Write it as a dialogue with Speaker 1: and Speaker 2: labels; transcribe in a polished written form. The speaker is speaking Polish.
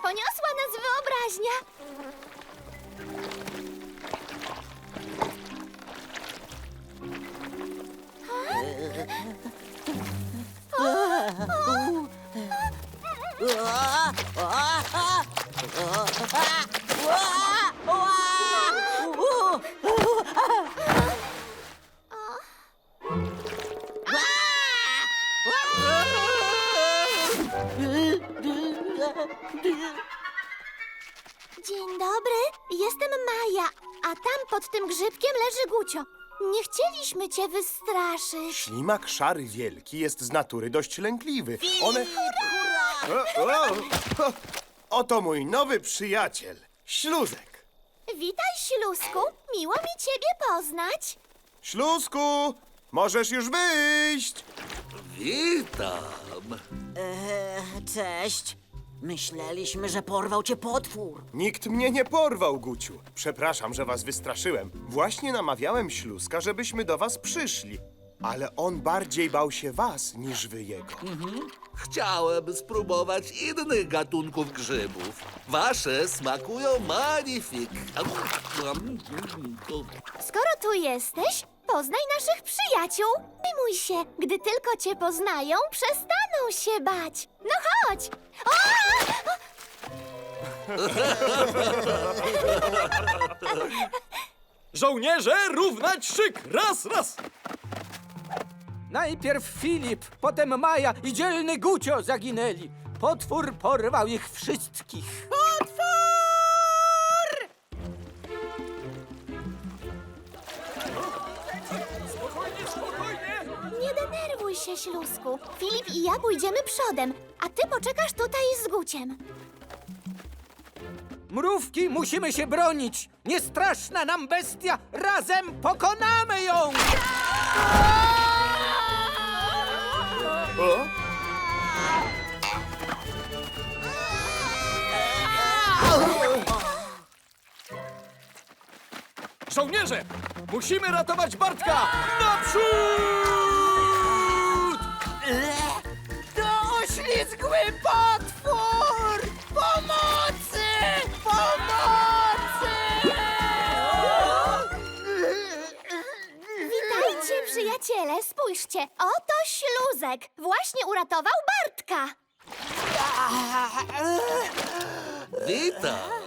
Speaker 1: poniosła nas wyobraźnia. Dzień dobry, jestem Maja, a tam pod tym grzybkiem leży Gucio. Nie chcieliśmy cię wystraszyć.
Speaker 2: Ślimak szary wielki jest z natury dość lękliwy. Oto mój nowy przyjaciel, Śluzek.
Speaker 1: Witaj, Ślusku, miło mi ciebie poznać.
Speaker 2: Śluzku, możesz już wyjść.
Speaker 3: Witam.
Speaker 4: Cześć. Myśleliśmy, że porwał cię potwór.
Speaker 2: Nikt mnie nie porwał, Guciu. Przepraszam, że was wystraszyłem. Właśnie namawiałem Śluzka, żebyśmy do was przyszli. Ale on bardziej bał się was, niż wy jego.
Speaker 3: Chciałem spróbować innych gatunków grzybów. Wasze smakują magnifik.
Speaker 1: Skoro tu jesteś, poznaj naszych przyjaciół. Przejmuj się, gdy tylko cię poznają, przestaną się bać. No chodź! O!
Speaker 5: Żołnierze, równać szyk! Raz, raz! Najpierw Filip, potem Maja i dzielny Gucio zaginęli. Potwór porwał ich wszystkich.
Speaker 1: Nie denerwuj się, Ślusku. Filip i ja pójdziemy przodem, a ty poczekasz tutaj z Guciem.
Speaker 5: Mrówki, musimy się bronić! Niestraszna nam bestia! Razem pokonamy ją!
Speaker 2: O?
Speaker 5: Żołnierze! Musimy ratować Bartka! Naprzód!
Speaker 4: To oślizgły potwór! Pomocy! Pomocy!
Speaker 1: Witajcie, przyjaciele, spójrzcie. Oto Śluzek. Właśnie uratował Bartka.
Speaker 3: Witam.